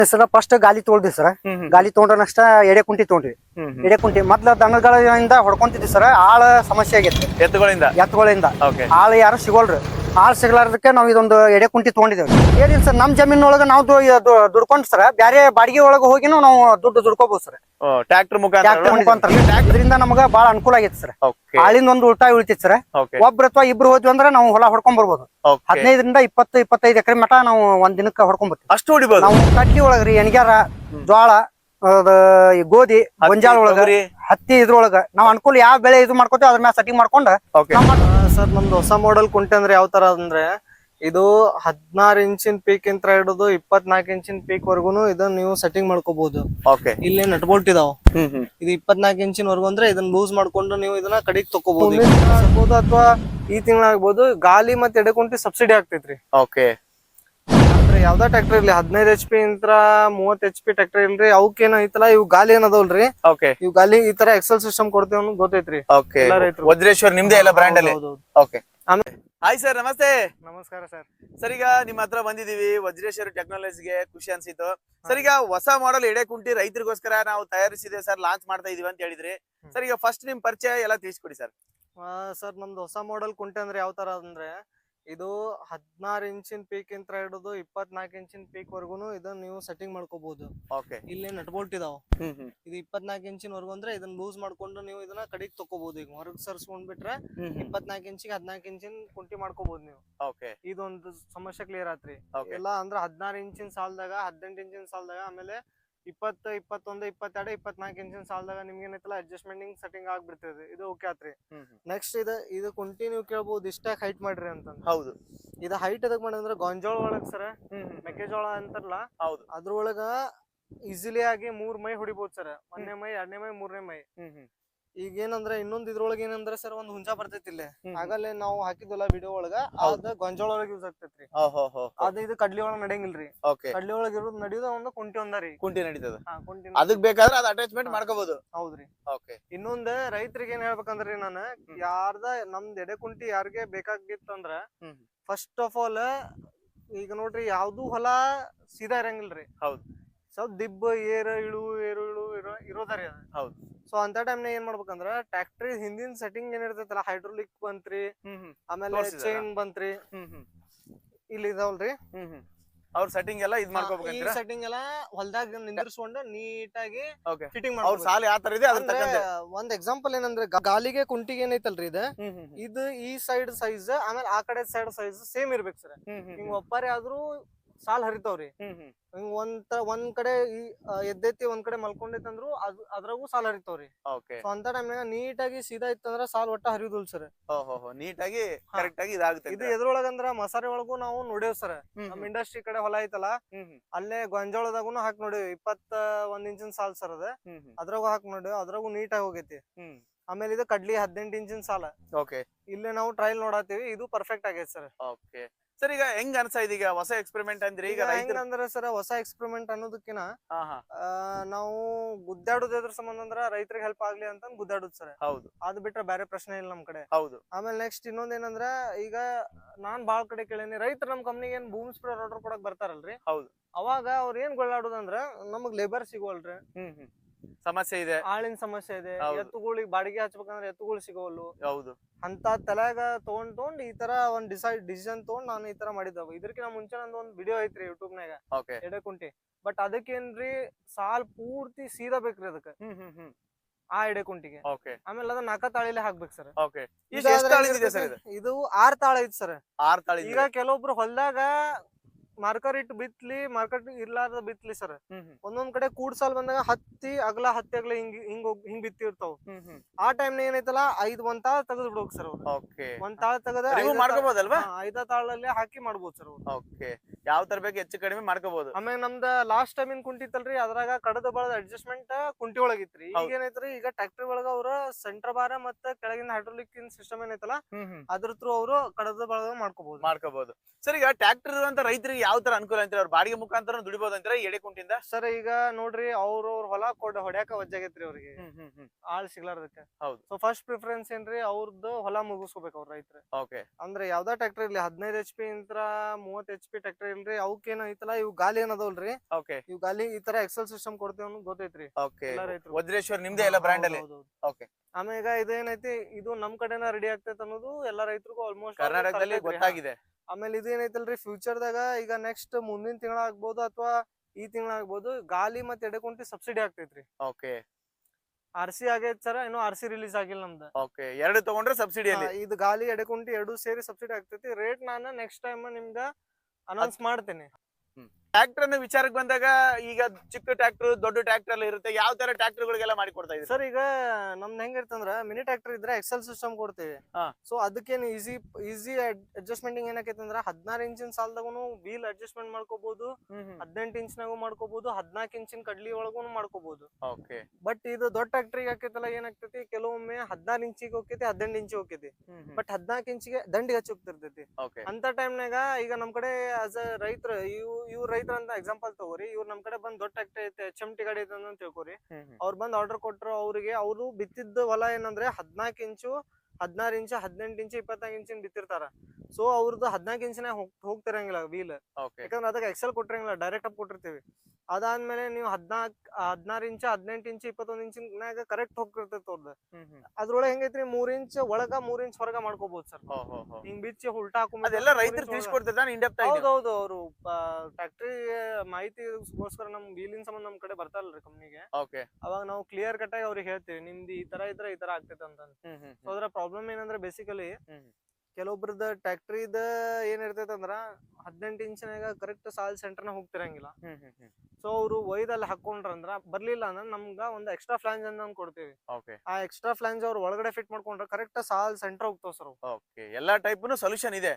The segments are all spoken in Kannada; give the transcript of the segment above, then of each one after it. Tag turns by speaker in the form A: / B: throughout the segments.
A: ಸರ್ ಫಸ್ಟ್ ಗಾಲಿ ತೊಳ್ದಿ ಸರ್. ಗಾಲಿ ತೊಗೊಂಡ್ರ ನೆಕ್ಸ್ಟ್ ಎಡೆ ಕುಂಟಿ ತೊಗೊಂಡ್ವಿ. ಎಡೆ ಕುಂಟಿ ಮೊದ್ಲ ದನಗಳಿಂದ ಹೊಡ್ಕೊಂತಿದ್ವಿ ಸರ್. ಆಳ ಸಮಸ್ಯೆ ಆಗೈತಿ ಎತ್ತುಗಳಿಂದ. ಆಳ ಯಾರು ಸಿಗೋಲ್ರಿ. ಆಳ್ ಸಿಗ್ಲಾರ್ದಕ್ಕೆ ನಾವ್ ಇದೊಂದು ಎಡೆ ಕುಂಟಿ ತಗೊಂಡಿದ್ದೇವೆ. ಏನಿಲ್ಲ ಸರ್, ನಮ್ ಜಮೀನೊಳಗ ನಾವು ದುಡ್ಕೊಂಡ್ ಸರ್ ಬ್ಯಾರೆ ಬಾಡಿಗೆ ಒಳಗ ಹೋಗಿನೂ ನಾವು ದುಡ್ಡು ದುಡ್ಕೋಬಹುದು ಸರ್.
B: ಟ್ರ್ಯಾಕ್ಟರ್ ಮುಖಾಂತರ
A: ಇದರಿಂದ ನಮಗ ಬಾಳ ಅನುಕೂಲ ಆಗೈತಿ ಸರ್. ಆಳಿಂದ ಒಂದು ಉಳ್ತಾಯ ಉಳಿತೈತಿ ಸರ್. ಒಬ್ರು ಅಥವಾ ಇಬ್ರು ಹೋದ್ವಿ ಅಂದ್ರೆ ನಾವು ಹೊಲ ಹೊಡ್ಕೊಂಡ್ ಬರ್ಬೋದು. 15ರಿಂದ 20-25 ಎಕರೆ ಮಟ ನಾವು ಒಂದ್ ದಿನಕ್ಕೆ ಹೊಡ್ಕೊಂಡ್ ಬರ್ತೀವಿ.
B: ಅಷ್ಟು ಹೊಡಿಬಹುದು.
A: ನಾವು ಕಡ್ಲಿ ಒಳಗ್ರಿ ಎಣ್ಗ್ಯಾರ, ಜ್ವಾಳ, ಗೋಧಿ, ಗೊಂಜಾಳ ಒಳಗ, ಹತ್ತಿ ಇದ್ರೊಳಗ ನಾವ್ ಅನುಕೂಲ ಯಾವ ಬೆಳೆ ಇದು ಮಾಡ್ಕೋತೀವಿ ಅದ್ರ ಮ್ಯಾಲ ಸೆಟ್ಟಿಂಗ್ ಮಾಡ್ಕೊಂಡ.
C: ಸರ್ ನಮ್ದು ಹೊಸ ಮಾಡೆಲ್ ಕುಂಟೆ ಅಂದ್ರೆ ಯಾವ ತರ ಅಂದ್ರೆ ಇದು 16 ಇಂಚಿನ ಪೀಕ್ ಇಂತ ಹಿಡಿದು 24 ಇಂಚಿನ ಪೀಕ್ ವರ್ಗುನು ಇದನ್ನ ನೀವು ಸೆಟ್ಟಿಂಗ್ ಮಾಡ್ಕೋಬಹುದು. ಇಲ್ಲಿ ನಟ್ ಬೋಲ್ಟ್ ಇದಾವ. ಇದು 24 ಇಂಚಿನ ವರ್ಗು ಅಂದ್ರೆ ಇದನ್ನ ಲೂಸ್ ಮಾಡ್ಕೊಂಡು ನೀವು ಇದನ್ನ ಕಡೆಗೆ ತಕೋಬಹುದು ಅಥವಾ ಈ ತಿಂಗಳಾಗ್ಬೋದು. ಗಾಲಿ ಮತ್ತೆ ಎಡೆಕುಂಟಿ ಸಬ್ಸಿಡಿ ಆಗ್ತೈತ್ರಿ. ಅಂದ್ರೆ ಯಾವ್ದಾ ಟ್ರ್ಯಾಕ್ಟರ್ ಇರ್ಲಿ 15 HP ಇಂತ 30 HP ಟ್ರ್ಯಾಕ್ಟರ್ ಇಲ್ರಿ, ಅವಕ್ಕೇನ ಐತಲ್ಲ ಇವ್ ಗಾಲಿ ಏನದಲ್ರಿ, ಇವ್ ಗಾಲಿ ಈ ತರ ಎಕ್ಸೆಲ್ ಸಿಸ್ಟಮ್ ಕೊಡ್ತೇವೆ ಅನ್ನೋದು ಗೊತ್ತೈತ್ರಿ.
B: ವಜ್ರೇಶ್ವರ್ ನಿಮ್ದೇ ಎಲ್ಲ ಬ್ರ್ಯಾಂಡ್ ಅಲ್ಲಿ. ಹಾಯ್ ಸರ್, ನಮಸ್ತೆ.
C: ನಮಸ್ಕಾರ ಸರ್.
B: ಸರ್ ಈಗ ನಿಮ್ಮ ಹತ್ರ ಬಂದಿದೀವಿ ವಜ್ರೇಶ್ವರ್ ಟೆಕ್ನಾಲಜಿಗೆ, ಖುಷಿ ಅನ್ಸಿತ್ತು ಸರ್. ಈಗ ಹೊಸ ಮಾಡೆಲ್ ಎಡೆ ಕುಂಟಿ ರೈತರಿಗೋಸ್ಕರ ನಾವು ತಯಾರಿಸಿದೆ ಸರ್, ಲಾಂಚ್ ಮಾಡ್ತಾ ಇದೀವಿ ಅಂತ ಹೇಳಿದ್ರಿ ಸರ್. ಈಗ ಫಸ್ಟ್ ನಿಮ್ ಪರಿಚಯ ಎಲ್ಲ ತಿಳಿಸ್ಕೊಡಿ ಸರ್.
C: ಸರ್ ನಮ್ದು ಹೊಸ ಮಾಡೆಲ್ ಕುಂಟೆ ಅಂದ್ರೆ ಯಾವ ತರ ಅಂದ್ರೆ ಇದು 16 ಇಂಚಿನ ಪೀಕ್ ಇಂತ ಹಿಡಿದು 24 ಇಂಚಿನ ಪೀಕ್ ವರ್ಗುನು ಇದನ್ನ ನೀವು ಸೆಟ್ಟಿಂಗ್ ಮಾಡ್ಕೋಬಹುದು. ಇಲ್ಲಿ ನಟ್ ಬೋಲ್ಟ್ ಇದಾವ. ಇದು 24 ಇಂಚಿನ ವರ್ಗು ಅಂದ್ರೆ ಇದನ್ನ ಲೂಸ್ ಮಾಡ್ಕೊಂಡು ನೀವು ಇದನ್ನ ಕಡೆಗೆ ತಕೋಬಹುದು. ಈಗ ಹೊರಗ್ ಸರ್ಸ್ಕೊಂಡ್ ಬಿಟ್ರೆ 24 ಇಂಚಿಗೆ 14 ಇಂಚಿನ ಕುಂಟಿ ಮಾಡ್ಕೋಬಹುದು ನೀವು. ಇದೊಂದು ಸಮಸ್ಯೆ ಕ್ಲಿಯರ್ ಆತ್ರಿ. ಎಲ್ಲ ಅಂದ್ರೆ 16 ಇಂಚಿನ ಸಾಲದಾಗ, 18 ಇಂಚಿನ ಸಾಲದಾಗ, ಆಮೇಲೆ 20, 21, 22, 24 ಇಂಚಿನ ಸಾಲದಾಗ ನಿಮ್ಗೆ ಏನೈತಲ್ಲ ಅಡ್ಜಸ್ಟ್ಮೆಂಟ್ ಸೆಟ್ಟಿಂಗ್ ಆಗ್ಬಿಡ್ತದೆ. ಇದು ಓಕೆ ಆತ್ರಿ. ನೆಕ್ಸ್ಟ್ ಇದು ಕುಂಟಿ ನೀವು ಕೇಳ್ಬಹುದು ಇಷ್ಟ ಹೈಟ್ ಮಾಡ್ರಿ ಅಂತ.
B: ಹೌದು,
C: ಇದು ಹೈಟ್ ಎದಕ್ ಮಾಡಿದ್ರೆ ಗೊಂಜಾಳ ಒಳಗ್ ಸರ್, ಮೆಕ್ಕೆಜೋಳ ಅಂತಾರಲ್ಲ ಅದ್ರೊಳಗ ಈಸಿಲಿ ಆಗಿ 3 ಮೈ ಹೊಡಿಬಹುದು ಸರ್. 1ನೇ ಮೈ, 2ನೇ ಮೈ, 3ನೇ ಮೈ. ಈಗ ಏನಂದ್ರೆ ಇನ್ನೊಂದ್ ಇದ್ರೊಳಗ ಏನಂದ್ರೆ ಸರ್ ಒಂದ್ ಹುಂಜಾ ಬರ್ತೈತಿ ಇಲ್ಲಿ. ಆಗಲೇ ನಾವು ಹಾಕಿದ್ವಲ್ಲ ವಿಡಿಯೋ ಒಳಗ, ಅದ ಗೊಂಜಾಳ ಒಳಗ ಯೂಸ್ ಆಗ್ತೈತ್ರಿ. ಅದ ಇದು ಕಡ್ಲಿ ಒಳಗ ನಡೆಯಂಗಿಲ್ರಿ. ಕಡ್ಲಿ ಒಳಗ ಇರೋದು ನಡೆಯೋದ ಒಂದು ಕುಂಟಿ ಒಂದರಿ.
B: ಕುಂಟಿ ನಡೀತದ. ಅದಕ್ ಬೇಕಾದ್ರೆ ಅದ್ ಅಟ್ಯಾಚ್ಮೆಂಟ್ ಮಾಡ್ಕೋಬಹುದು.
C: ಹೌದ್ರಿ. ಇನ್ನೊಂದ್ ರೈತರಿಗೆ ಏನ್ ಹೇಳ್ಬೇಕಂದ್ರಿ ನಾನು, ಯಾರ್ದ ನಮ್ದ್ ಎಡೆ ಕುಂಟಿ ಯಾರಿಗೆ ಬೇಕಾಗಿತ್ತಂದ್ರ ಫಸ್ಟ್ ಆಫ್ ಆಲ್ ಈಗ ನೋಡ್ರಿ ಯಾವ್ದು ಹೊಲ ಸೀದಾ ಇರಂಗಿಲ್ರಿ. ಸ್ವಲ್ಪ ದಿಬ್ಬ ಏರು ಇಳು ಇರೋದರಿ ಅದು. ಸೊ ಅಂತ ಟೈಮ್ ನಾಗ ಏನ್ ಮಾಡ್ಬೇಕಂದ್ರ ಟ್ರ್ಯಾಕ್ಟರ್ ಹಿಂದಿನ ಸೆಟ್ಟಿಂಗ್ ಏನಿರ್ತೈತಲ್ಲ, ಹೈಡ್ರೋಲಿಕ್ ಬಂತ್ರಿ, ಆಮೇಲೆ ಚೈನ್ ಬಂತ್ರಿ, ಇಲ್ಲಿ ಇದಾವಲ್ರಿ
B: ಅವ್ರ ಸೆಟ್ಟಿಂಗ್ ಎಲ್ಲ ಇದ್ ಮಾಡ್ಕೋಬೇಕು.
C: ಈ ಸೆಟ್ಟಿಂಗ್ ಎಲ್ಲ ಹೊಲದಾಗ ನಿಂದಿರ್ಸ್ಕೊಂಡು ನೀಟಾಗಿ ಫಿಟ್ಟಿಂಗ್ ಒಂದ್ ಎಕ್ಸಾಂಪಲ್ ಏನಂದ್ರೆ ಗಾಲಿಗೆ ಕುಂಟಿಗೆ ಏನೈತಲ್ರಿ ಇದು ಈ ಸೈಡ್ ಸೈಜ್ ಆಮೇಲೆ ಆ ಕಡೆ ಸೈಡ್ ಸೈಜ್ ಸೇಮ್ ಇರ್ಬೇಕು ಸರ್. ಹಿಂಗ್ ಒಪ್ಪಾರೆ ಆದ್ರೂ ಸಾಲ್ ಹರಿತಾವ್ರಿ. ಹಿಂಗ್ ಒಂದ್ ಕಡೆ ಎದ್ದೈತಿ, ಒಂದ್ ಕಡೆ ಮಲ್ಕೊಂಡೈತಂದ್ರು ಅದ್ರಾಗೂ ಸಾಲ್ ಹರಿತಾವ್ರಿ. ಸೊ ಅಂತ ಟೈಮ್ನಾಗ ನೀಟಾಗಿ ಸೀದಾ ಇತ್ತಂದ್ರ ಸಾಲ್ ಒಟ್ಟ ಹರಿಯುದಿಲ್ಲ ಸರ್.
B: ನೀಟಾಗಿ ಕರೆಕ್ಟ್ ಆಗಿ ಇದಾಗುತ್ತೆ.
C: ಇದು ಎದ್ರೊಳಗಂದ್ರ ಮಸಾರಿ ಒಳಗೂ ನಾವು ನೋಡೇವ್ ಸರ್. ನಮ್ ಇಂಡಸ್ಟ್ರಿ ಕಡೆ ಹೊಲ ಐತಲ್ಲ, ಅಲ್ಲೇ ಗೊಂಜಾಳದಾಗುನು ಹಾಕಿ ನೋಡೇವ್. 21 ಇಂಚಿನ ಸಾಲ್ ಸರ್ ಅದ, ಅದ್ರಾಗೂ ಹಾಕಿ ನೋಡೇವ್. ಅದ್ರಾಗೂ ನೀಟಾಗಿ ಹೋಗೈತಿ. ಆಮೇಲೆ ಇದು ಕಡ್ಲಿ 18 ಇಂಚಿನ ಸಾಲ. ಇಲ್ಲೇ ನಾವು ಟ್ರಯಲ್ ನೋಡತ್ತೀವಿ, ಇದು ಪರ್ಫೆಕ್ಟ್ ಆಗೈತಿ ಸರ್.
B: ಸರ್ ಈಗ ಹೆಂಗ್ ಅನ್ಸಾ ಇದೀಗ ಹೊಸ ಎಕ್ಸ್ಪೆರಿಮೆಂಟ್ ಅಂದ್ರೆ? ಈಗ
C: ಹೆಂಗಂದ್ರ ಸರ್ ಹೊಸ ಎಕ್ಸ್ಪೆರಿಮೆಂಟ್ ಅನ್ನೋದಕ್ಕಿನ ನಾವು ಗುದ್ದಾಡೋದ್ ಎದ್ರ ಸಂಬಂಧ ಅಂದ್ರ ರೈತರಿಗೆ ಹೆಲ್ಪ್ ಆಗ್ಲಿ ಅಂತ ಗುದ್ದಾಡುದ್ ಸರ್. ಅದ್ ಬಿಟ್ರೆ ಬೇರೆ ಪ್ರಶ್ನೆ ಇಲ್ಲ ನಮ್ ಕಡೆ. ಆಮೇಲೆ ನೆಕ್ಸ್ಟ್ ಇನ್ನೊಂದ್ ಏನಂದ್ರ, ಈಗ ನಾನ್ ಬಾಳ್ ಕಡೆ ಕೇಳೇನಿ, ರೈತರು ನಮ್ ಕಂಪ್ನಿಗೆ ಏನ್ ಬೂಮ್ ಸ್ಪ್ರೇಯರ್ ಆರ್ಡರ್ ಕೊಡಕ್ ಬರ್ತಾರಲ್ರಿ, ಅವಾಗ ಅವ್ರ ಏನ್ ಗೊಳ್ಳಾಡೋದಂದ್ರ ನಮಗ್ ಲೇಬರ್ ಸಿಗೋಲ್ರಿ,
B: ಸಮಸ್ಯೆ ಇದೆ,
C: ಆಳಿನ ಸಮಸ್ಯೆ ಇದೆ, ಎತ್ತುಗಳಿಗೆ ಬಾಡಿಗೆ ಹಚ್ಬೇಕಂದ್ರೆ ಎತ್ತುಗಳು ಸಿಗೋಲ್ಲು. ಅಂತ ತಲೆಗ ತಗೊಂಡ್ ಈ ತರ ಒಂದ್ ಡಿಸಿಷನ್ ತಗೊಂಡ್ ನಾನು ಈ ತರ ಮಾಡಿದ್ದವ. ಇದಕ್ಕಿಂತ ಮುಂಚೆ ನಂದು ಒಂದ್ ವಿಡಿಯೋ ಐತ್ರಿ ಯೂಟ್ಯೂಬ್ ನಾಗ, ಎಡೆ ಕುಂಟಿ. ಬಟ್ ಅದಕ್ಕೇನ್ರಿ ಸಾಲ್ ಪೂರ್ತಿ ಸೀದಾ ಬೇಕ್ರಿ ಅದಕ್ಕ, ಆ ಎಡೆ ಕುಂಟಿಗೆ. ಆಮೇಲೆ ಅದನ್ನ 4 ತಾಳಿಲೆ ಹಾಕ್ಬೇಕು ಸರ್. ಇದು 6 ತಾಳ ಐತಿ ಸರ್. ಈಗ ಕೆಲವೊಬ್ರು ಹೊಲ್ದಾಗ ಮಾರ್ಕರ್ ಇಟ್ಟು ಬಿತ್ಲಿ, ಮಾರ್ಕರ್ ಇರ್ಲಾರ್ದ ಬಿತ್ಲಿ ಸರ್. ಒಂದೊಂದ್ ಕಡೆ ಕೂಡ್ಸಾಲ್ ಬಂದಾಗ ಹತ್ತಿ ಅಗಲ ಹಿಂಗ್ ಬಿತ್ತಿರ್ತಾವ. ಆ ಟೈಮ್ ನ ಏನೈತಲ್ಲ ಒಂದ್ ತಾಳ ತೆಗೆದ್ ಬಿಡ್ಬೇಕು ಸರ್. ಒಂದ್ ತಾಳ ತೆಗದ 5 ತಾಳಲ್ಲಿ ಹಾಕಿ ಮಾಡ್ಬೋದು ಸರ್.
B: ಯಾವ ತರ ಬೇಕು ಹೆಚ್ಚು ಕಡಿಮೆ ಮಾಡ್ಕೋಬಹುದು.
C: ಆಮೇಲೆ ನಮ್ದ ಲಾಸ್ಟ್ ಟೈಮ್ ಇನ್ ಕುಂಟಿತ್ತಲ್ರಿ, ಅದ್ರಾಗ ಕಡದ ಬಳದ ಅಡ್ಜಸ್ಟ್ಮೆಂಟ್ ಕುಂಟಿ ಒಳಗಿತ್ರಿ. ಈಗ ಏನೈತ್ರಿ, ಈಗ ಟ್ರ್ಯಾಕ್ಟರ್ ಒಳಗ ಅವ್ರ ಸೆಂಟರ್ ಬಾರ ಮತ್ತೆ ಕೆಳಗಿನ ಹೈಡ್ರೋಲಿಕ್ ಸಿಸ್ಟಮ್ ಏನೈತಲ್ಲ, ಅದ್ರ ಥ್ರೂ ಅವರು ಕಡದ ಬಳದ ಮಾಡ್ಕೋಬಹುದು.
B: ಸರ್ ಈಗ ಟ್ರ್ಯಾಕ್ಟರ್ ಅಂತ ರೈತರಿಗೆ ಯಾವ ತರ ಅನುಕೂಲ ಅಂತೀರ? ಅವ್ರ ಬಾಡಿಗೆ ಮುಖಾಂತರ ದುಡಿಬಹುದು ಅಂತೀರ ಎಡೆ ಕುಂಟಿಂದ?
C: ಸರ್ ಈಗ ನೋಡ್ರಿ ಅವ್ರವ್ರ ಹೊಲ ಹೊಡ್ಯಾಕ ವಜ್ಜಾಗೈತ್ರಿ ಅವ್ರಿಗೆ, ಆಳ್ ಸಿಗ್ಲಾರ್ದಕ್ಕೆ.
B: ಹೌದು.
C: ಸೊ ಫಸ್ಟ್ ಪ್ರಿಫರೆನ್ಸ್ ಏನ್ರಿ ಅವ್ರದ್ದು ಹೊಲ ಮುಗಿಸ್ಕೋಬೇಕು ಅವ್ರ ರೈತರು.
B: ಓಕೆ.
C: ಅಂದ್ರೆ ಯಾವ್ದಾ ಟ್ರ್ಯಾಕ್ಟರ್ ಇರ್ಲಿ 15 HP ಇಂತ್ರ 30 HP ಟ್ರ್ಯಾಕ್ಟರ್ ಇಲ್ರಿ, ಅವಕ್ಕೇನ ಐತಲ್ಲ ಇವ್ ಗಾಲಿ ಏನದವಲ್ರಿ,
B: ಓಕೆ,
C: ಇವ್ ಗಾಲಿ ಈ ತರ ಎಕ್ಸೆಲ್ ಸಿಸ್ಟಮ್ ಕೊಡ್ತೇವೆ ಅನ್ನೋದು ಗೊತ್ತೈತ್ರಿ
B: ಓಕೆ.
C: ಎಲ್ಲಾ ರೈತರು.
B: ವಜ್ರೇಶ್ವರ್ ನಿಮ್ದೇ ಎಲ್ಲ ಬ್ರ್ಯಾಂಡ್ ಅಲ್ಲಿ? ಓಕೆ.
C: ಆಮೇಲೆ ಇದೇನೈತಿ, ಇದು ನಮ್ ಕಡೆನ ರೆಡಿ ಆಗ್ತೈತೆ ಅನ್ನೋದು ಎಲ್ಲಾ ರೈತರಿಗೂ ಆಲ್ಮೋಸ್ಟ್
B: ಕರ್ನಾಟಕದಲ್ಲಿ ಗೊತ್ತಾಗಿದೆ.
C: ಆಮೇಲೆ ಇದೇನೈತಲ್ರಿ ಫ್ಯೂಚರ್ದಾಗ ಈಗ ನೆಕ್ಸ್ಟ್ ಮುಂದಿನ ತಿಂಗಳ ಆಗ್ಬೋದು ಅಥವಾ ಈ ತಿಂಗಳ ಆಗ್ಬೋದು, ಗಾಲಿ ಮತ್ತೆ ಎಡೆಕುಂಟಿ ಸಬ್ಸಿಡಿ ಆಗ್ತೈತ್ರಿ.
B: ಓಕೆ.
C: RC ಆಗೈತ್ ಸರ್, ಇನ್ನು RC ರಿಲೀಸ್ ಆಗಿಲ್ಲ ನಮ್ದು.
B: ಓಕೆ, ಎರಡು ತಗೊಂಡ್ರೆ ಸಬ್ಸಿಡಿಯಲ್ಲಿ?
C: ಇದು ಗಾಲಿ ಎಡೆಕುಂಟಿ ಎರಡು ಸೇರಿ ಸಬ್ಸಿಡಿ ಆಗ್ತೈತಿ. ರೇಟ್ ನಾನು ನೆಕ್ಸ್ಟ್ ಟೈಮ್ ನಿಮ್ಗ ಅನೌನ್ಸ್ ಮಾಡ್ತೇನೆ.
B: ಟ್ರ್ಯಾಕ್ಟರ್ ವಿಚಾರಕ್ಕೆ ಬಂದಾಗ ಈಗ ಚಿಕ್ಕ ಟ್ರ್ಯಾಕ್ಟರ್ ದೊಡ್ಡ ಟ್ರ್ಯಾಕ್ಟರ್ ಎಲ್ಲ ಇರುತ್ತೆ, ಯಾವ ತರ ಟ್ರ್ಯಾಕ್ಟರ್ ಗಳಿಗೆಲ್ಲ ಮಾಡಿ ಕೊಡ್ತಾ ಇದ್ದೀರಾ
C: ಸರ್? ಈಗ ನಮ್ದು ಹೆಂಗಿರ್ತಂದ್ರ ಮಿನಿ ಟ್ರ್ಯಾಕ್ಟರ್ ಇದ್ರೆ ಎಕ್ಸೆಲ್ ಸಿಸ್ಟಮ್ ಕೊಡ್ತೇವೆ. ಸೊ ಅದಕ್ಕೇನು ಈಸಿ ಅಡ್ಜಸ್ಟ್ಮೆಂಟ್ ಏನಾಕೈತಿ ಅಂದ್ರ 16 ಇಂಚಿನ ಸಾಲದಾಗೂ ವೀಲ್ ಅಡ್ಜಸ್ಟ್ಮೆಂಟ್ ಮಾಡ್ಕೋಬಹುದು, 18 ಇಂಚ್ನಾಗೂ ಮಾಡ್ಕೋಬಹುದು, 14 ಇಂಚಿನ ಕಡ್ಲಿ ಒಳಗೂ ಮಾಡ್ಕೋಬಹುದು. ಬಟ್ ಇದು ದೊಡ್ಡ ಟ್ರ್ಯಾಕ್ಟರ್ ಹಾಕೈತಲ್ಲ ಏನಾಗ್ತೈತಿ, ಕೆಲವೊಮ್ಮೆ 16 ಇಂಚಿಗೆ ಹೋಗ್ತೈತಿ, 18 ಇಂಚಿಗೆ ಹೋಗ್ತೈತಿ, ಬಟ್ 14 ಇಂಚಿಗೆ ದಂಡಿಗೆ ಹಚ್ಚಿ ಹೋಗ್ತಿರ್ತೈತಿ. ಅಂತ ಟೈಮ್ನಾಗ ಈಗ ನಮ್ ಕಡೆ ಆಸ್ ಅ ರೈತರ ಇವ್ರ ರೈತರ ಅಂತ ಎಕ್ಸಾಂಪಲ್ ತಗೋರಿ, ಇವ್ರು ನಮ್ ಕಡೆ ಬಂದ್ ದೊಡ್ಡ ಟ್ರ್ಯಾಕ್ಟರ್ ಐತೆ HMT ಗಾಡಿ ಐತೆ ಅಂತ ತಿಳ್ಕೊರಿ, ಅವ್ರು ಬಂದ್ ಆರ್ಡರ್ ಕೊಟ್ರು, ಅವ್ರಿಗೆ ಅವ್ರು ಬಿತ್ತಿದ್ದ ಹೊಲ ಏನಂದ್ರೆ 14 ಇಂಚು, 16 ಇಂಚು, 18 ಇಂಚು, 24 ಇಂಚಿನ ಬಿತ್ತಿರ್ತಾರ. ಸೊ ಅವ್ರದ್ದು 14 ಇಂಚಿನ ಹೋಗ್ತಿರಂಗಿಲ್ಲ ವೀಲ್, ಯಾಕಂದ್ರೆ ಅದಕ್ಕೆ ಎಕ್ಸೆಲ್ ಕೊಟ್ಟಿರಂಗಿಲ್ಲ, ಡೈರೆಕ್ಟ್ ಅಪ್ ಕೊಟ್ಟಿರ್ತೀವಿ. ಅದಾದ್ಮೇಲೆ ನೀವು 16 ಇಂಚು, 18 ಇಂಚು, 21 ಇಂಚಿನಾಗ ಕರೆಕ್ಟ್ ಹೋಗ್ತಿರ್ತೈತಿ ಅವ್ರದ್ದು. ಅದ್ರೊಳಗೆ ಹೆಂಗೈತ್ರಿ, 3 ಇಂಚ್ ಒಳಗ 3 ಇಂಚ್ ಹೊರಗ ಮಾಡ್ಕೋಬಹುದು ಸರ್. ಹಿಂಗ್ ಬಿಚ್ಚಿ ಉಲ್ಟಾ ಹೌದೌದು. ಅವರು ಫ್ಯಾಕ್ಟ್ರಿ ಮಾಹಿತಿಗೋಸ್ಕರ ನಮ್ ವೀಲಿನ ಸಂಬಂಧ ನಮ್ ಕಡೆ ಬರ್ತಾರಲ್ರಿ ಕಂಪ್ನಿಗೆ, ಅವಾಗ ನಾವು ಕ್ಲಿಯರ್ ಕಟ್ ಆಗಿ ಅವ್ರಿಗೆ ಹೇಳ್ತೀವಿ ನಿಮ್ದು ಈ ತರ ಇದ್ರೆ ಈ ತರ ಆಗ್ತೈತೆ ಅಂತ. ಸೊ ಅದ್ರ ಪ್ರಾಬ್ಲಮ್ ಏನಂದ್ರೆ ಬೇಸಿಕಲಿ ಕೆಲವೊಬ್ರದ ಟ್ಯಾಕ್ಟ್ರಿದ ಏನ್ ಇರ್ತೈತೆ ಅಂದ್ರ 18 ಇಂಚಿನಾಗ ಕರೆಕ್ಟ್ ಸಾಲ್ ಸೆಂಟರ್ ನ ಹೋಗ್ತಿರಂಗಿಲ್ಲ. ಸೊ ಅವ್ರು ಒಯ್ದಲ್ಲಿ ಹಾಕೊಂಡ್ರಂದ್ರ ಬರ್ಲಿಲ್ಲ ಅಂದ್ರೆ ನಮ್ಗ ಒಂದು ಎಕ್ಸ್ಟ್ರಾ ಫ್ಲಾಂಜ್ ಅಂತ ಕೊಡ್ತೀವಿ. ಆ ಎಕ್ಸ್ಟ್ರಾ ಫ್ಲಾಂಜ್ ಅವ್ರು ಒಳಗಡೆ ಫಿಟ್ ಮಾಡ್ಕೊಂಡ್ರೆ ಕರೆಕ್ಟ್ ಸಾಲ್ ಸೆಂಟರ್ ಹೋಗ್ತಾವ ಸರ್.
B: ಎಲ್ಲಾ ಟೈಪ್ ಸೊಲ್ಯೂಷನ್ ಇದೆ,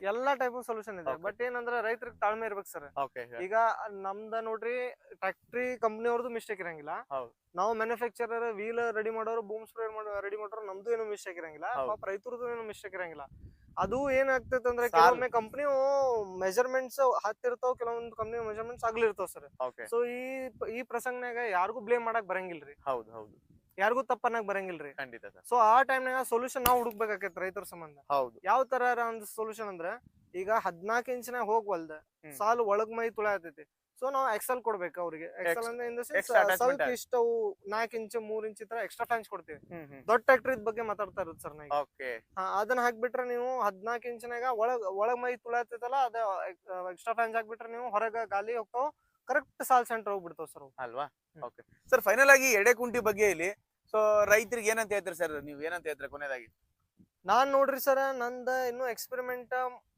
C: ಬಟ್ ಏನಂದ್ರೆ ರೈತರಿಗೆ ತಾಳ್ಮೆ ಇರ್ಬೇಕು ಸರ್. ಈಗ ನಮ್ದ ನೋಡ್ರಿ ಟ್ಯಾಕ್ಟ್ರಿ ಕಂಪ್ನಿ ಅವ್ರದ್ದು ಮಿಸ್ಟೇಕ್ ಇರಂಗಿಲ್ಲ, ನಾವು ಮ್ಯಾನುಫ್ಯಾಕ್ಚರರ್ ವೀಲ್ ರೆಡಿ ಮಾಡೋರು, ಬೂಮ್ ಸ್ಪ್ರೇ ರೆಡಿ ಮಾಡೋರು, ನಮ್ದು ಏನು ಮಿಸ್ಟೇಕ್ ಇರಂಗಿಲ್ಲ, ಪಾಪ ರೈತರದ್ದು ಏನು ಮಿಸ್ಟೇಕ್ ಇರಂಗಿಲ್ಲ. ಅದು ಏನಾಗ್ತೈತೆ ಅಂದ್ರೆ ಕೆಲವೊಮ್ಮೆ ಕಂಪ್ನಿ ಮೆಜರ್ಮೆಂಟ್ಸ್ ಹತ್ತಿರ್ತಾವ, ಕೆಲವೊಂದು ಕಂಪ್ನಿ ಮೆಜರ್ಮೆಂಟ್ಸ್ ಆಗ್ಲಿರ್ತಾವ ಸರ್. ಸೊ ಈ ಪ್ರಸಂಗನಾಗ ಯಾರಿಗೂ ಬ್ಲೇಮ್ ಮಾಡಕ್ ಬರಂಗಿಲ್ರಿ, ಯಾರಿಗೂ ತಪ್ಪನ್ನಾಗ ಬರಂಗಿಲ್ರಿ. ಸೊ ಆ ಟೈಮ್ನಾಗ ಸೊಲ್ಯೂಷನ್ ನಾವು ಹುಡುಕ್ಬೇಕಾಗೈತಿ ರೈತರ ಸಂಬಂಧ. ಯಾವ ತರ ಒಂದು ಸೊಲ್ಯೂಷನ್ ಅಂದ್ರೆ, ಈಗ 14 ಇಂಚಿನಾಗ ಹೋಗ್ವಲ್ದ ಸಾಲು ಒಳಗ್ ಮೈ ತುಳ ಆತೈತಿ, ಸೊ ನಾವು ಎಕ್ಸೆಲ್ ಕೊಡ್ಬೇಕು ಅವ್ರಿಗೆ. ಎಕ್ಸೆಲ್ ಅಂದ್ರೆ ಇನ್ ದ ಸೆನ್ಸ್ ಸ್ವಲ್ಪ ಇಷ್ಟವು 4 ಇಂಚ್ 3 ಇಂಚ್ ತರ ಎಕ್ಸ್ಟ್ರಾ ಫ್ಲಾಂಜ್ ಕೊಡ್ತೀವಿ. ದೊಡ್ಡ ಟ್ರ್ಯಾಕ್ಟರ್ ಬಗ್ಗೆ ಮಾತಾಡ್ತಾ ಇರೋದು ಸರ್ ನಾವು. ಅದನ್ನ ಹಾಕ್ಬಿಟ್ರೆ ನೀವು 14 ಇಂಚಿನಾಗ ಒಳಗ್ ಮೈ ತುಳಾತೈತಲ್ಲ, ಅದ ಎಕ್ಸ್ಟ್ರಾ ಫ್ಲಾಂಜ್ ಹಾಕ್ಬಿಟ್ರೆ ನೀವು ಹೊರಗ ಗಾಲಿ ಹೋಗ್ತಾವ, ಕರೆಕ್ಟ್ ಸಾಲ್ ಸೆಂಟರ್ ಹೋಗ್ಬಿಡ್ತಾವ ಸರ್
B: ಅಲ್ವಾ? ಸರ್ ಫೈನಲ್ ಆಗಿ ಎಡೆಕುಂಟಿ ಬಗ್ಗೆ ಇಲ್ಲಿ ಸೊ ರೈತರಿಗೆ ಏನಂತ ಹೇಳ್ತೀರಿ ಸರ್, ನೀವು ಏನಂತ ಹೇಳ್ತೀರಿ ಕೊನೆಯದಾಗಿ?
C: ನಾನ್ ನೋಡ್ರಿ ಸರ್, ನಂದ ಇನ್ನು ಎಕ್ಸ್ಪೆರಿಮೆಂಟ್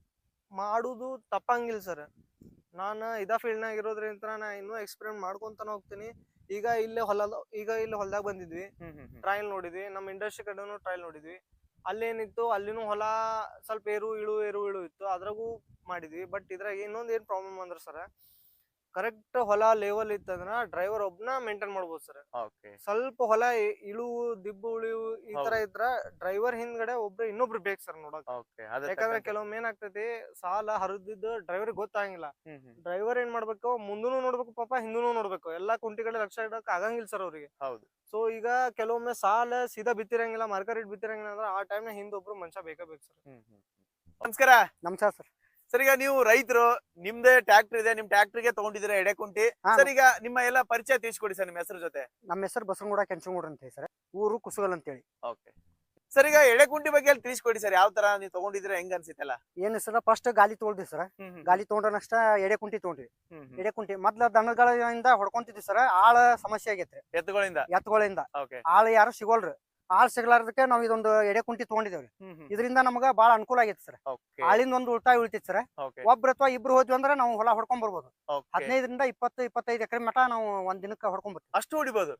C: ಮಾಡುದು ತಪ್ಪಂಗಿಲ್ಲ ಸರ್. ನಾನು ಇದ ಫೀಲ್ಡ್ ನಾಗ ಇರೋದ್ರಿಂದ ನಾ ಇನ್ನೂ ಎಕ್ಸ್ಪೆರಿಮೆಂಟ್ ಮಾಡ್ಕೊಂತಾನೆ ಹೋಗ್ತೀನಿ. ಈಗ ಇಲ್ಲಿ ಹೊಲದಾಗ ಬಂದಿದ್ವಿ, ಟ್ರಯಲ್ ನೋಡಿದ್ವಿ, ನಮ್ಮ ಇಂಡಸ್ಟ್ರಿ ಕಡೆನೂ ಟ್ರಯಲ್ ನೋಡಿದ್ವಿ. ಅಲ್ಲೇನಿತ್ತು, ಅಲ್ಲಿನೂ ಹೊಲ ಸ್ವಲ್ಪ ಏರು ಇಳು ಇತ್ತು, ಅದ್ರಾಗೂ ಮಾಡಿದ್ವಿ. ಬಟ್ ಇದ್ರಾಗ ಇನ್ನೊಂದ್ ಏನ್ ಪ್ರಾಬ್ಲಮ್ ಅಂದ್ರ ಸರ್, ಕರೆಕ್ಟ್ ಹೊಲ ಲೆವೆಲ್ ಇತ್ತಂದ್ರ ಡ್ರೈವರ್ ಒಬ್ನ ಮೇಂಟೈನ್ ಮಾಡ್ಬೋದು ಸರ್. ಸ್ವಲ್ಪ ಹೊಲ ದಿಬ್ಬು ಉಳಿವು ಈ ತರ ಇದ್ರ ಡ್ರೈವರ್ ಹಿಂದ್ಗಡೆ ಇನ್ನೊಬ್ರು ಬೇಕು ಸರ್ ನೋಡಕ್. ಯಾಕಂದ್ರೆ ಕೆಲವೊಮ್ಮೆ ಏನಾಗ್ತೈತಿ, ಸಾಲ ಹರಿದಿದ್ದು ಡ್ರೈವರ್ ಗೊತ್ತಾಗಿಲ್ಲ. ಡ್ರೈವರ್ ಏನ್ ಮಾಡ್ಬೇಕು, ಮುಂದೂನು ನೋಡ್ಬೇಕು, ಪಾಪ ಹಿಂದೂನು ನೋಡ್ಬೇಕು, ಎಲ್ಲಾ ಕುಂಟಿಗಳ ಲಕ್ಷ ಇಡಕ್ ಆಗಂಗಿಲ್ಲ ಸರ್ ಅವ್ರಿಗೆ. ಸೊ ಈಗ ಕೆಲವೊಮ್ಮೆ ಸಾಲ ಸೀದಾ ಬಿತ್ತಿರಂಗಿಲ್ಲ, ಮಾರ್ಕೆಟ್ ಬಿತ್ತಿರಂಗಿಲ್ಲ ಅಂದ್ರೆ ಆ ಟೈಮ್ ನ ಹಿಂದೊಬ್ರು ಮನುಷ್ಯ ಬೇಕು ಸರ್.
B: ನಮಸ್ಕಾರ.
A: ನಮಸ್ಕಾರ ಸರ್.
B: ಸರ್ ಈಗ ನೀವು ರೈತರು, ನಿಮ್ದೇ ಟ್ರ್ಯಾಕ್ಟರ್ ಇದೆ, ನಿಮ್ ಟ್ರ್ಯಾಕ್ಟರ್ಗೆ ತಗೊಂಡಿದ್ದೀರಾ ಎಡೆಕುಂಟಿ. ಸರ್ ಈಗ ನಿಮ್ಮ ಎಲ್ಲ ಪರಿಚಯ ತಿಳಿಸ್ಕೊಡಿ ಸರ್, ನಿಮ್ಮ ಹೆಸರು ಜೊತೆ.
A: ನಮ್ಮ ಹೆಸರು ಬಸವನಗೌಡ ಕೆಂಚನಗೌಡ ಅಂತ ಹೇಳಿ ಸರ್, ಊರು ಕುಸುಗಲ್ ಅಂತ ಹೇಳಿ.
B: ಸರ್ ಈಗ ಎಡೆಕುಂಟಿ ಬಗ್ಗೆ ತಿಳಿಸ್ಕೊಡಿ ಸರ್, ಯಾವ ತರ ನೀವು ತಗೊಂಡಿದ್ದೀರಾ, ಹೆಂಗ್ ಅನ್ಸಿತ್ತಲ್ಲ?
A: ಏನು ಸರ್, ಫಸ್ಟ್ ಗಾಲಿ ತೊಗೊಂಡ್ವಿ ಸರ್. ಗಾಲಿ ತೊಗೊಂಡ್ರನಷ್ಟ ಎಡೆಕುಂಟಿ ತೊಗೊಂಡ್ವಿ. ಎಡೆಕುಂಟಿ ಮೊದ್ಲ ದನಗಳಿಂದ ಹೊಡ್ಕೊಂತಿದ್ವಿ ಸರ್, ಆಳ ಸಮಸ್ಯೆ ಆಗೈತೆ. ಎತ್ತುಗಳಿಂದ ಆಳ ಯಾರು ಸಿಗೋಲ್ರಿ. ಆಳ್ ಸಿಗ್ಲಾರ್ದಕ್ಕೆ ನಾವ್ ಇದೊಂದು ಎಡೆಕುಂಟಿ ತಗೊಂಡಿದ್ದೇವ್ರಿ. ಇದರಿಂದ ನಮಗ ಬಾಳ ಅನುಕೂಲ ಆಗೈತಿ ಸರ್. ಆಳಿಂದ ಒಂದು ಉಳಿತಾಯ ಉಳಿತೈತಿ ಸರ್. ಒಬ್ರು ಅಥವಾ ಇಬ್ರು ಹೋದ್ವಿ ಅಂದ್ರೆ ನಾವು ಹೊಲ ಹೊಡ್ಕೊಂಡ್ ಬರ್ಬೋದು. 15ರಿಂದ 20-25 ಎಕರೆ ಮಟ ನಾವು ಒಂದ್ ದಿನಕ್ಕೆ ಹೊಡ್ಕೊಂಡ್ ಬರ್ತೀವಿ.
B: ಅಷ್ಟು ಹೊಡಿಬಹುದು.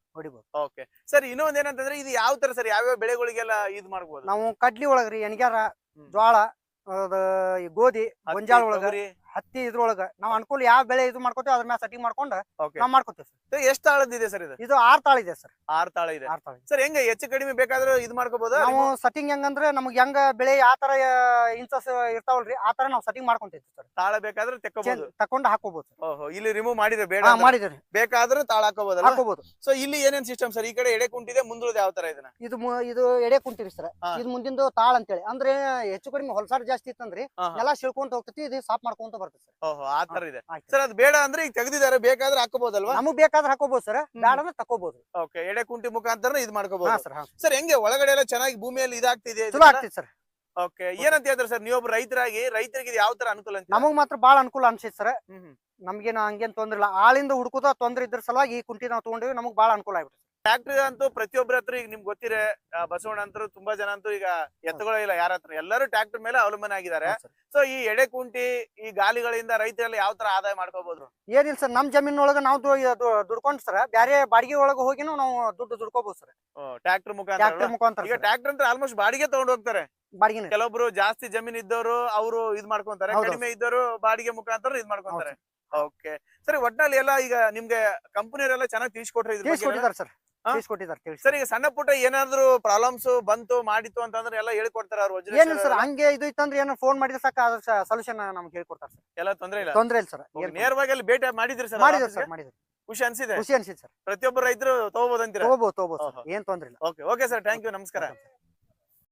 B: ಸರ್ ಇನ್ನೊಂದ್ ಏನಂತಂದ್ರೆ, ಇದು ಯಾವ ತರ ಸರ್, ಯಾವ್ಯಾವ ಬೆಳೆಗಳಿಗೆಲ್ಲ ಇದ್ ಮಾಡ್ಬೋದು?
A: ನಾವು ಕಡ್ಲಿ ಒಳಗ್ರಿ, ಎಣ್ಗ್ಯಾರ, ಜ್ವಾಳ, ಗೋಧಿ, ಗೊಂಜಾಳ ಒಳಗ, ಹತ್ತಿ ಇದ್ರೊಳಗ ನಾವ್ ಅನುಕೂಲ ಯಾವ ಬೆಳೆ ಇದು ಮಾಡ್ಕೋತೀವಿ ಅದ್ರ ಮ್ಯಾಲ ಸೆಟ್ಟಿಂಗ್ ಮಾಡ್ಕೊಂಡು ನಾವ್ ಮಾಡ್ಕೋತೀವಿ ಸರ್.
B: ಎಷ್ಟು ತಾಳದಿದೆ ಸರ್ ಇದು?
A: ಇದು 6 ತಾಳ ಇದೆ ಸರ್.
B: 6 ತಾಳ ಇದೆ
A: 6 ತಾಳ.
B: ಸರ್ ಹೆಂಗ ಹೆಚ್ಚು ಕಡಿಮೆ ಬೇಕಾದ್ರೂ ಇದು ಮಾಡ್ಕೋಬಹುದಾ?
A: ನಾವು ಸೆಟ್ಟಿಂಗ್ ಹೆಂಗಂದ್ರೆ ನಮ್ಗೆ ಹೆಂಗ ಬೆಳೆ ಯಾವ ತರ ಇಂಚಸ್ ಇರ್ತಾವಲ್ರಿ ಆ ತರ ನಾವ್ ಸೆಟ್ಟಿಂಗ್ ಮಾಡ್ಕೊಂತೀವಿ ಸರ್.
B: ತಾಳ ಬೇಕಾದ್ರೆ
A: ತಕೊಂಡು ಹಾಕೋಬಹುದು.
B: ಓಹೋ, ಇಲ್ಲಿ ರಿಮೂವ್ ಮಾಡಿದ್ರೆ ಬೇಡ
A: ಮಾಡಿದ್ರಿ
B: ಬೇಕಾದ್ರೆ ತಾಳ ಹಾಕೋಬಹುದಲ್ಲ?
A: ಹಾಕೋಬಹುದು.
B: ಸೊ ಇಲ್ಲಿ ಏನೇನ್ ಸಿಸ್ಟಮ್ ಸರ್? ಈ ಕಡೆ ಎಡೆ ಕುಂಟಿದೆ, ಮುಂದುಳದ ಯಾವ ತರ ಇದನ್ನ?
A: ಇದು ಎಡೆ ಕುಂಟಿರಿ ಸರ್. ಇದು ಮುಂದಿಂದು ತಾಳ ಅಂತೇಳಿ ಅಂದ್ರೆ ಹೆಚ್ಚು ಕಡಿಮೆ ಹೊಲಸಾರ ಜಾಸ್ತಿ ಇತ್ತಂದ್ರಿ ಎಲ್ಲ ಶಿಳ್ಕೊಂತ ಹೋಗ್ತೈತಿ, ಇದು ಸಾಫ್ ಮಾಡ್ಕೊಂತ ಬರ್ತದೆ ಸರ್.
B: ಓಹೋ, ಆ ತರ ಇದೆ ಸರ್. ಅದು ಬೇಡ ಅಂದ್ರೆ ಈಗ ತೆಗೆದಿದ್ದಾರೆ, ಬೇಕಾದ್ರೆ ಹಾಕೋಬಹುದಲ್ವಾ?
A: ನಮಗ್ ಬೇಕಾದ್ರೆ ಹಾಕೋಬಹುದು ಸರ್, ಬೇಡ ಅಂದ್ರೆ ತಕೋಬಹುದು.
B: ಓಕೆ, ಎಡೆ ಕುಂಟಿ ಮುಖಾಂತರ ಇದು ಮಾಡ್ಕೋಬಹುದು
A: ಸರ್.
B: ಸರ್. ಹೆಂಗೆ ಒಳಗಡೆ ಎಲ್ಲ ಚೆನ್ನಾಗಿ ಭೂಮಿಯಲ್ಲಿ ಇದಾಗ್ತಿದೆ?
A: ಚಲೋ ಆಗ್ತೈತಿ ಸರ್.
B: ಓಕೆ, ಏನಂತ ಹೇಳ್ತಾರೆ ಸರ್ ನೀವೊಬ್ಬ ರೈತರಾಗಿ? ರೈತರಿಗೆ ಇದು ಯಾವ ತರ ಅನುಕೂಲ ಅಂತ?
A: ನಮಗ್ ಮಾತ್ರ ಬಾಳ ಅನುಕೂಲ ಅನ್ಸೈತಿ ಸರ್. ನಮ್ಗೇನು ಹಂಗೇನ್ ತೊಂದ್ರೆ ಇಲ್ಲ. ಆಳಿಂದ ಹುಡುಕುದ ತೊಂದ್ರೆ ಇದ್ರ ಸಲುವಾಗಿ ಈ ಕುಂಟಿ ನಾವು ತಗೊಂಡಿವಿ, ನಮಗ್ ಬಾಳ ಅನುಕೂಲ ಆಗ್ಬಿಟ್ಟು.
B: ಟ್ರ್ಯಾಕ್ಟರ್ ಅಂತೂ ಪ್ರತಿಯೊಬ್ಬರ ಹತ್ರ ಈಗ ನಿಮ್ಗೆ ಗೊತ್ತಿರ ಬಸವಣ್ಣ ಅಂತೂ ತುಂಬಾ ಜನ ಅಂತೂ ಈಗ ಎತ್ತುಗಳೇ ಇಲ್ಲ ಯಾರ ಹತ್ರ, ಎಲ್ಲರೂ ಟ್ರ್ಯಾಕ್ಟರ್ ಮೇಲೆ ಅವಲಂಬನೆ ಆಗಿದ್ದಾರೆ. ಸೊ ಈ ಎಡೆ ಕುಂಟಿ ಈ ಗಾಲಿಗಳಿಂದ ರೈತರೆಲ್ಲ ಯಾವ ತರ ಆದಾಯ ಮಾಡ್ಕೋಬಹುದು?
A: ಏನಿಲ್ಲ ಸರ್, ನಮ್ ಜಮೀನೊಳಗ ನಾವು ದುಡ್ಕೊಂಡ್ ಸರ್ ಬ್ಯಾರೆ ಬಾಡಿಗೆ ಒಳಗ ಹೋಗಿನೂ ನಾವು ದುಡ್ಡು ದುಡ್ಕೋಬಹುದು ಸರ್.
B: ಟ್ರ್ಯಾಕ್ಟರ್ ಮುಖಾಂತರ. ಈಗ
A: ಈಗ
B: ಟ್ರ್ಯಾಕ್ಟರ್ ಅಂತ ಆಲ್ಮೋಸ್ಟ್ ಬಾಡಿಗೆ ತಗೊಂಡ್ ಹೋಗ್ತಾರೆ.
A: ಬಾಡಿಗೆ
B: ಕೆಲವೊಬ್ರು ಜಾಸ್ತಿ ಜಮೀನ್ ಇದ್ದವರು ಅವರು ಇದ್ ಮಾಡ್ಕೊಂತಾರೆ, ಕಡಿಮೆ ಇದ್ದವರು ಬಾಡಿಗೆ ಮುಖಾಂತರ ಇದ್ ಮಾಡ್ಕೊಂತಾರೆ. ಓಕೆ ಸರಿ, ಒಟ್ನಲ್ಲಿ ಎಲ್ಲ ಈಗ ನಿಮ್ಗೆ ಕಂಪನಿಯವರೆಲ್ಲ ಚೆನ್ನಾಗಿ ತಿಳಿಸ್ಕೊಟ್ರೆ
A: ಸರ್.
B: ಸರ್ ಈಗ ಸಣ್ಣ ಪುಟ್ಟ ಏನಾದ್ರು ಪ್ರಾಬ್ಲಮ್ಸ್ ಬಂತು ಮಾಡಿತ್ತು ಅಂತಂದ್ರೆ ಎಲ್ಲ ಹೇಳ್ಕೊಡ್ತಾರ ಅವ್ರು?
A: ಏನಿಲ್ಲ ಸರ್, ಹಂಗೆ ಇದು ಇತ್ತಂದ್ರೆ ಏನೋ ಫೋನ್ ಮಾಡಿದ್ರೆ ಸಾಕ, ಅದ್ರ ಸೊಲ್ಯೂಷನ್ ನಮ್ಗೆ ಹೇಳ್ಕೊಡ್ತಾರೆ ಸರ್.
B: ಎಲ್ಲ ತೊಂದ್ರೆ ಇಲ್ಲ
A: ಸರ್.
B: ನೇರವಾಗಿ ಅಲ್ಲಿ ಭೇಟಿ ಮಾಡಿದ್ರಿ ಸರ್?
A: ಮಾಡಿದ್ರಿ.
B: ಖುಷಿ ಅನ್ಸಿದೆ
A: ಸರ್.
B: ಪ್ರತಿಯೊಬ್ಬರು ರೈತರು ತಗೋಬಹುದು ಅಂತೀರಾ?
A: ತಗೋಬಹುದು ಏನ್ ತೊಂದ್ರೆ ಇಲ್ಲ.
B: ಓಕೆ ಸರ್, ಥ್ಯಾಂಕ್ ಯು, ನಮಸ್ಕಾರ.